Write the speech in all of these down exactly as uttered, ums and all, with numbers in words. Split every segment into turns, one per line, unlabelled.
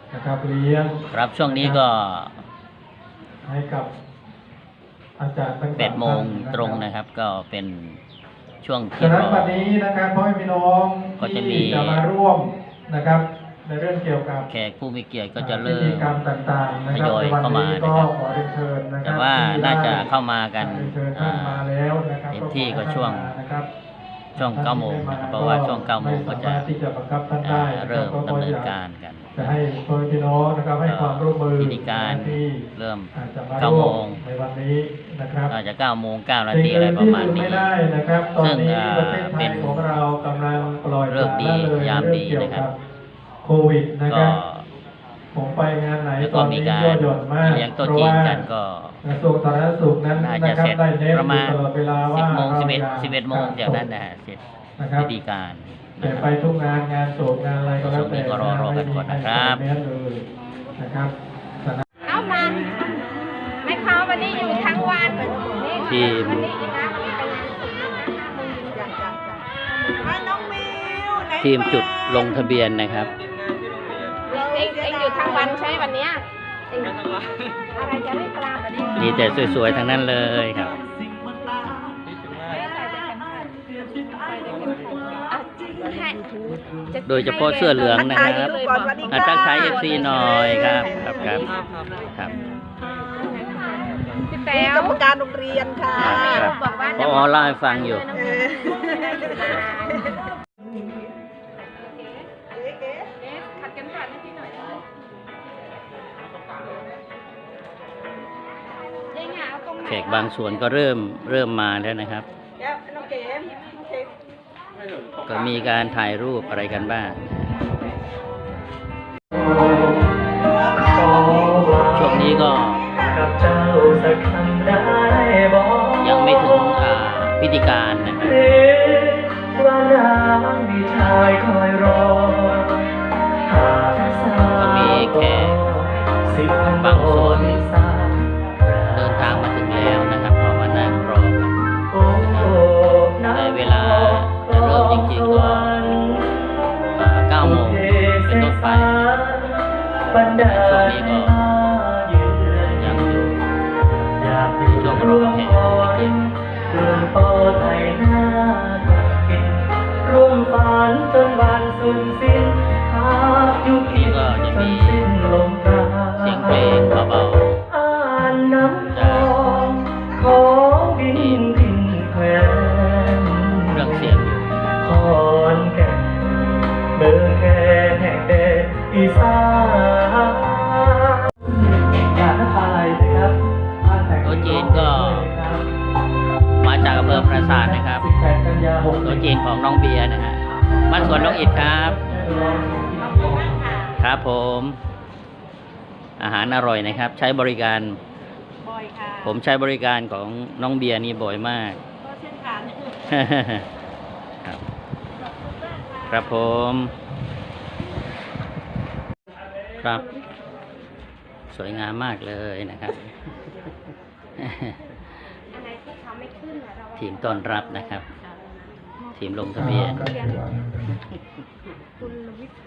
นะครับเลี้ยง
ครับช่วงนี้ก็
ให้กับอาจารย์ทั้ง
แปดโมงตรงนะครับก็เป็นช่วงที่
ฉะนั้น
รอ
วันนี้นะครับพ่อแม่พี่น้อง
ก็จะมี
ที่จะมาร่วมนะครับในเรื่องเกี่ยวกับ
แขกผู้มีเกียรติก็จะเริ่
พิธี
ม
กรรมต่างๆนะ
ท
ครับ
ยอย
ในวัน
เข้ามา
นี้
นะ
ก็
ครับ
ขอเรียนเชิญนะครั
แต่
บ
ว่า
ที่
น่าจะ
ได้
เข้ามากัน
เรียนเชิญท่านมาแล้วนะครับ
เต็มที่ก็ช่วง
นะครับ
ช่วงเก้าโมงนะครับเพราะว่าช่วงเก้าโมงก็จะ
ไม่สามารถที่จะบังคับท่านได้
เริ่มดำเนินการกัน
จะให้พ่อแม่พี่น้องนะครับให้ความร่วมมือ
พิธีการ
ที่
เริ่ม
อาจจะมา
เก้า
ร่
โม
ว
ง
มในวันนี้นะครับ
อาจจะเก้าโมงเก้านา
สิ่ง
ทีอะไร
อื่น
ประ
ที่
มาณ
ลืม
นี้
ไม่ได้นะครับตอน
ซึ่ง
นี้
อ่า
ประเทศไท
เป็
ย
น
ของเรากำลังปล่อย
เลิกดี
ปละละเลย
ยามดี
เรื่องเกี่ยว
นะครับ
กับโควิดนะค
ก็
รับผมไปงานไหน
แล้ว
ต
ก็
อน
มี
นี้
การ
ยั่วหย่อนมาก
เลี้ยงโต๊ะ
เพราะ
จีน
ว่า
กันก็
กระทรวงสาธารณสุขนั้น
น่า
นะ
จะ
ครับ
เสร็จ
ได้เน้น
ประ
อ
มา
ยู่
ณ
ตลอดเวลา
สิ
ว่า
บโมง
เรา
สิบเอ็ด
อย่า
สิบเอ็ดโมง
ขา
จากนั้น
ศพ
นะเสร็จ
นะครับ
พิธีการ
แต่
นะค
ไป
รับ
ทุกงานงานโศกงานอะไรก็แล้วแต่
ช่วงนี้ก็รอรอกันก่อนนะครับ
ไม่มีใครใส่แมสเลยนะครับ
เอามันไม่เข้าวันนี้อยู่ทั้งวันนี่
ทีม
วันนี้อีกนะวันนี้เป็นงาน
น้องมิวไหน
ทีมจุดลงทะเบียนนะครับ
เองเองอยู่ทั้งวันใช่วันเนี้ยเองอะไรจะไม่กล้าวันนี้
มีแต่สวยๆทั้งนั้นเลยครับ โดยเฉพาะเสื้อเหลืองนะครับอ่ะทักทายเอฟซีหน่อยครับครับครับครับ
พี่
เป็
แต้
น
ว
กรรมการโรงเรียนค่ะ
ครับ
บอกว่า
พอเล่าให้ฟังอยู่
เออ
ขัดกันผ่านให้พี่หน่อยเองอ่ะเอาตรงไหน
แขกบางส่วนก็เริ่มเริ่มมาแล้วนะครับ
เดี๋ยวน้องเก๋มน้องเก๋ม
ก็มีการถ่ายรูปอะไรกันบ้าง ช่วงนี้ก็ยังไม่ถึงอ่าพิธีการนะครับก็มีแขกบางส่วนเดินทางมาถึงแล้วนะครับพอมานั่งรอกันนะครับแต่เวลาจะเริ่มจริงๆก็อ่าเก้าโมงเป็นต้นไปแต่ช่วงนี้ก็ยังอยู่ช่วงรอแขกไม่เกี่ยว
ร่วมฝันจนวันสุดสิ้นหากอยู่
นี่ก็จะมี
สิ้นลมปราณ
เสียงเพลงเบา
อ่านน้ำทองของดินดินแควน
ๆเครื่องเสียงอยู่
ขอนแก่นเมืองแค่แห่งแดนอีสานอยากทักทายนะครับบ้านแต่ง
โต๊ะจีนก็มาจากอำเภอปราสาทนะครับ
สิบแปดกันยาหก
โต๊ะจีนของน้องเบียร์นะฮะบ้านสวนน้องอิดครับ ครับผม อาหารอร่อยนะครับ ใช้บริการ
บ่อยค่ะ
ผมใช้บริการของน้องเบียร์นี่บ่อยมาก
ก็เช่นกัน
ครับครับผม ครับ สวยงามมากเลยนะครับ
อะไรที่เขาไม่ขึ้นอะเรา
ทีมต้อนรับนะครับ ทีมลงทะเบียน
คุณวิทย์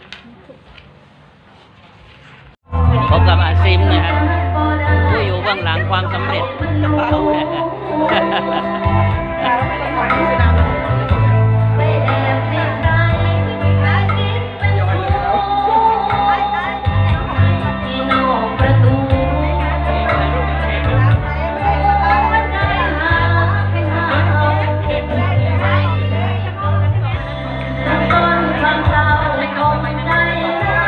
พบกับอาซิมนะครับผู้อยู่เบื้องหลังความสำเร็จ
เราไม่ต้องหวังที่จะ